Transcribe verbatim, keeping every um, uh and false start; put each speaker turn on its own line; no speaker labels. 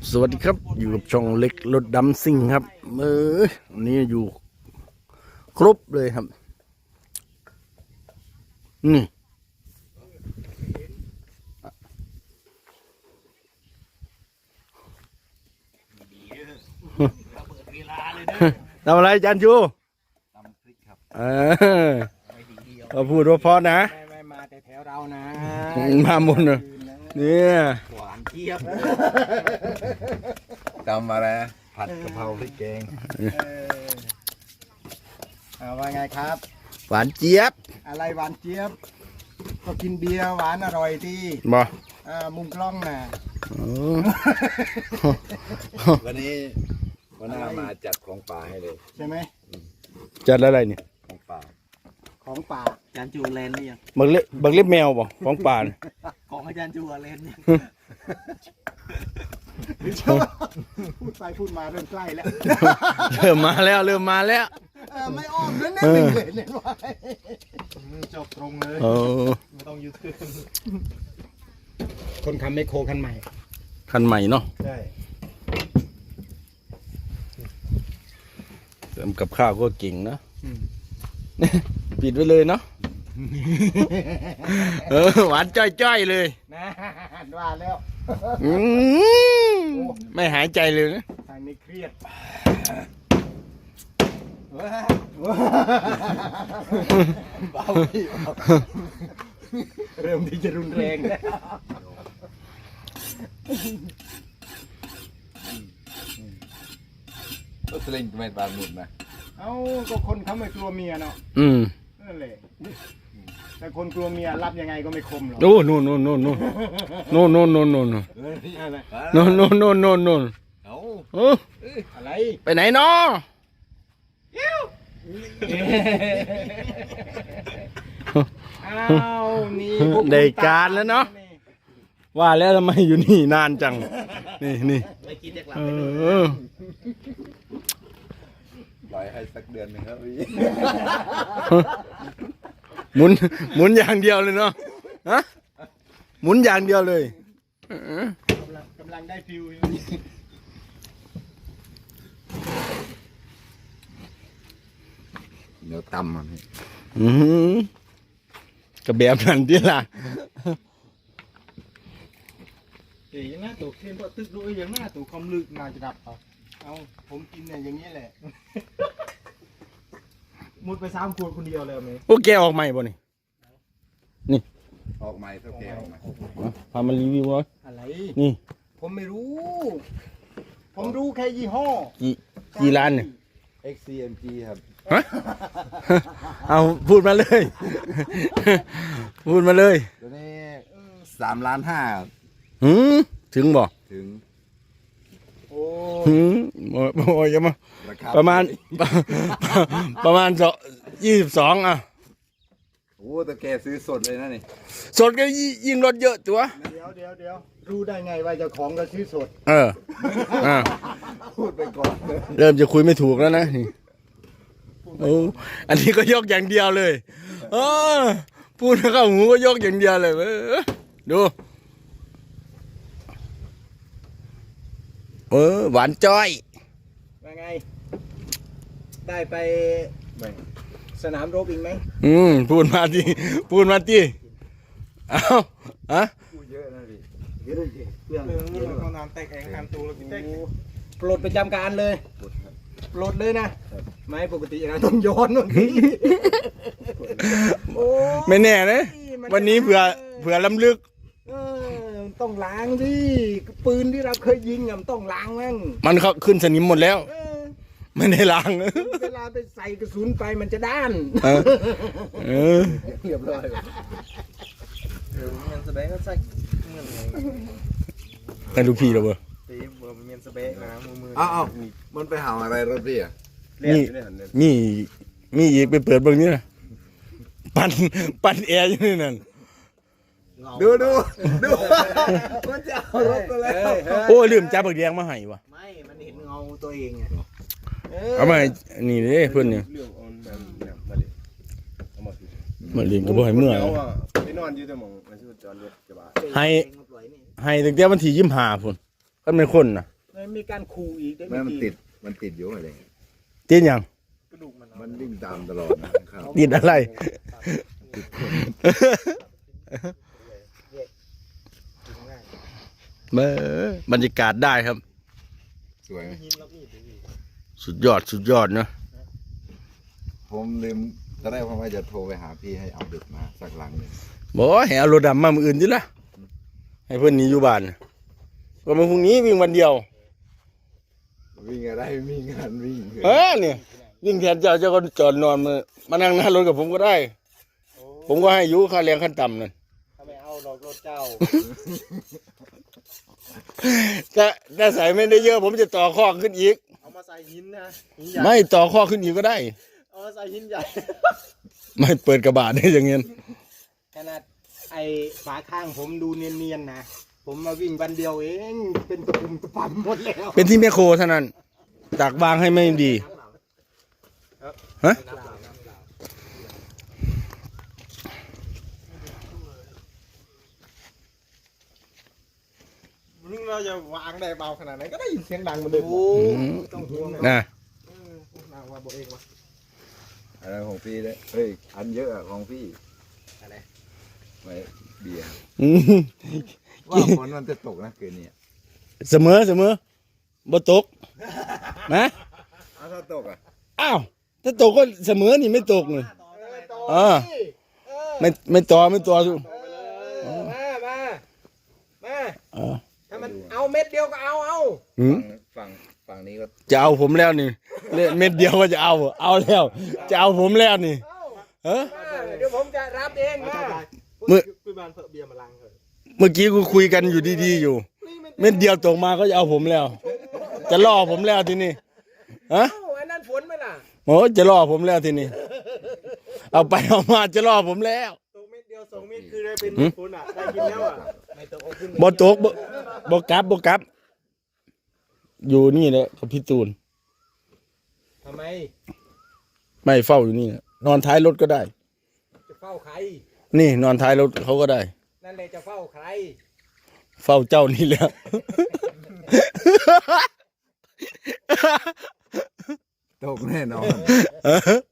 สวัสดีครับอยู่กับช่องเล็กรถดำซิ่งครับเออวันนี้อยู่ครบเลยครับนี่ทำอะไรจันชูตำพริกครับเออก็พูดว่าพอนะ
ไม่ไม่มาแต่แถวเรานะ
มาหมดเลยเนี่ย
หวานเจี๊ยบ
จำมาแล้วผัดกะเพราพริกแกง
เอาว่าไงครับ
หวานเจี๊ยบ
อะไรหวานเจี๊ยบก็กินเบียร์หวานอร่อยที่
บ่
มุมกล้องน่ะ
วันนี้วันหน้ามาจัดของป่าให้เลย
ใช่ไหม
จัดอะไรเนี่ย
ของป่า
ของป่าอาจารย์จูเลนนี่ยัง
บักเล็บบักเล็บแมวบ่ของป่า
ของอาจารย์จูเลนเนี่ยพูดไปพูดมาเริ่มใกล้แล้ว
เริ่มมาแล้วเริ่มมาแล้ว
ไม่อ้อมนั่นนั่นเลยเนี่ยว่าจบตรงเลยไม่ต้องยืดขึ้นคนทำไมโคคันใหม่
คันใหม่เนาะ
ใช่
ทำกับข้าวก็เก่งนะปิดไว้เลยเนาะเออหวานจ้อยๆเลย
นะว่าแล้ว
ไม่หายใจเลยนะ
ทางนี้เครียดเบาเริ่มที่จะรุนแรงแล้ว
ก็สลิงไม่บานหมุดนะ
เอ้าก็คนเขาไม่กลัวเมียเนาะ
อืม
นั่นแหละแต่คนกลัวเมียรับยังไงก็ไม่คมหรอก
โอ้โน่นโน่นโน่นโน่นโน่นโน่นโน่นโน่นโน่นโน่นโน่นโน่น
เอา
อะไร
ไปไหนเนาะ
อ้าวนี่
ได้การแล้วเนาะว่าแล้วทำไมอยู่นี่นานจังนี่นี่เออ
ปล่อยให้สักเดือนหนึ่งครับพี่
หมุนหมุนอย่างเดียวเลยเนาะฮะหมุนอย่างเดียวเลย
กำลังกำลังได้ฟิว
เดี๋ยวตำมัน
อืมกระแบบนั้นที่ล่ะ
เอ๋ยังหน้าตัวเข้มเพราะตึกด้วยยังหน้าตัวคอมลึกน่าจะดับเอาเอาผมกินเนี่ยอย่างนี้แหละมุดไปสามขวดคนเดียวเลยไหม
โอ้แกออกใหม่ป่ะนี่นี่
ออกใหม่เท่าแกออกใหม่
พามารีวิววะ
อะไร
นี่
ผมไม่รู้ผมรู้แค่ยี่ห้อ
กี่กี่ล้านเนี่ย
เอ็กซ์ ซี เอ็ม จี ครับ
ฮะเอาพูดมาเลยพูดมาเลย
ตัวนี้สามล้านห้า
หืมถึงบ่
ถึง
โอ้
หืมโอ้ยยังมาประมาณประมาณสองยี่สิบสองอ่ะ
โอ้แต่แกซื้อสดเลยนะนี่
สดก็ยิ่งลดเยอะตัว
เดี๋ยวเดี๋ยวเดี๋ยวรู้ได้ไงว่าเจ้าของก็ซื้อสด
เอออ่า
พูดไปก่อน
เริ่มจะคุยไม่ถูกแล้วนะโอ้อันนี้ก็ยกอย่างเดียวเลยเออพูดเข้าหูก็ยกอย่างเดียวเลยดูเออหวานจ้อย
ว่าไงได้ไปสนามรบอีกไหม
อืมพูดมาดิพูดมาดิเอาอะ
พูดเยอะนะดิ
เยอะเลยเรื่องเรื่องของน้ำแตกแข็งทำตัวแล้วกินได้ปลดประจำการเลยปลดเลยนะไม่ปกตินะต้องย้อนนู่น
ไม่แน่นะวันนี้เผื่อเผื่อล้ำลึก
ต้องล้างดิปืนที่เราเคยยิงอ่ะต้องล้างมั่ง
มันเขาขึ้นสนิมหมดแล้วไม่ได้ล้าง
เวลาไปใส่กระสุนไปมันจะด้าน
เออ
เรียบร้อย
เดี๋ยวมันสเปกก็ใส่
ให้ลูกพี่เราเบอร์
ตีเบอร์มันสเปกนะมือมือ
อ้าวมันไปหาอะไรรถพี่อ่ะ
มีมีมีอีกไปเปิดเบื้องนี้นะปั่นปั่นแอร์อยู่นี่นั่น
ดูดูดูมันจะเอารถไปแล้ว
โอ้ลืมจับบักแดงมาให้วะ
ไม่มันเห็นเงาตัวเองไง
เอามานี่เลยเพื่อนเนี่ยมาเลี้ยงก็บ่ให้เมื่อย
ไปนอนอยู่แต่หมองมันชื่อจอดรถกระบะ
ให้ให้ตั้งแต่วันที่ยี่สิบห้าพุ่นก็เป็นคนน่ะ
มีการขู่อีกได้
แม่มัน
กี้
ติดมันติดอยู่อะไร
ติดยัง
กระดูกมัน
มันวิ่งตามตลอดนะครับ
ติดอะไร เบ้อบรรยากาศได้ครับ
สวยไหม
สุดยอดสุดยอดเนอะ
ผมลืมตอนแรกผมว่าจะโทรไปหาพี่ให้เอาเด็กมาสักหลังหนึ่ง
บอกว่าให้เอารถดำมามืออื่นดิละให้เพื่อนหนี้อยู่บ้านก็มาพรุ่งนี้วิ่งวันเดียว
วิ่งอะไรมีงานวิ่ง
เออเนี่ยวิ่งแทนเจ้าเจ้าก็จอดนอนมามานั่งหน้ารถกับผมก็ได้ ผมก็ให้อยุค่าแรงขั้นต่ำนั่น
ถ้าไม่เอาดอกรถเจ้า
ถ้าถ้าใส่ไม่ได้เยอะ ผมจะต่อข้อขึ้นอีก
เอามาใส่หินนะหินใหญ่
ไม่ต่อข้อขึ้นอีกก็ได้
เอามาใส่หินใหญ่
ไม่เปิดกระบะได้อย่างเงี้ย
ขนาดไอ้ฝาข้างผมดูเนียนๆนะผมมาวิ่งวันเดียวเองเป็นตะปุ่มตะปั่มหมดแล้ว
เป็นที่แมคโครเท่านั้นตักวางให้ไม่ดีฮะ
มึงเราจะวางได้เบาขนาดไหนก็ได้ยินเสียงดังเหมือนเดิมโอ้ต้องห่วงนะ
นะ
เออนางว่าบอกเองวะ
อะไรของพี่เลยเฮ้ยอันเยอะอะของพี่
อะไร
ไม่เบียร์
อืม
ว่าฝนมันจะตกนะคืนนี้
เสมอเสมอบ่ตกนะ
เอาถ้าตกอ่ะ
อ้าวถ้าตกก็เสมอนี่ไม่ตกนี่
เออ
อ่า ไม่ไม่ต่อไม่ต่อทุก
เออมามามา
อ่า
ถ้ามันเอาเม็ดเดียวก็เอาเอา
หืม
ฝั่งฝั่งนี้ก็
จะเอาผมแล้วนี่เล่นเม็ดเดียวก็จะเอา เอาแล้ว จะเอาผมแล้วนี่
เอา
เออ
มาเดี๋ยวผมจะรับเองมา
เมื่อ
คุยบานเพื่อเบียร์มาลังเถอะ
เมื่อกี้กูคุยกันอยู่ดีๆอยู่ เม็ดเดียวตกมาก็จะเอาผมแล้ว จะล่อผมแล้วทีนี้ฮะ
เอ้าอันนั้นฝนไหมล่ะ
โอ้จะล่อผมแล้วทีนี้เอาไปเอามาจะล่อผมแล้ว
ตกเม็ดเดียวสองเม็ดคือได้เป็น
หืม
ฝนอ่ะได้กินแล้วอ่ะไม่ตกเอาขึ้น
บ่ตกบ่บ่กลับบ่กลับ อยู่นี่แหละกับพี่ตูน
ทำไม
ไม่เฝ้าอยู่นี่นะนอนท้ายรถก็ได้
จะเฝ้าใคร
นี่นอนท้ายรถเขาก็ได้
นั่นเลยจะเฝ้าใคร
เฝ้าเจ้านี่แหละ
ตกแน่นอน
เออ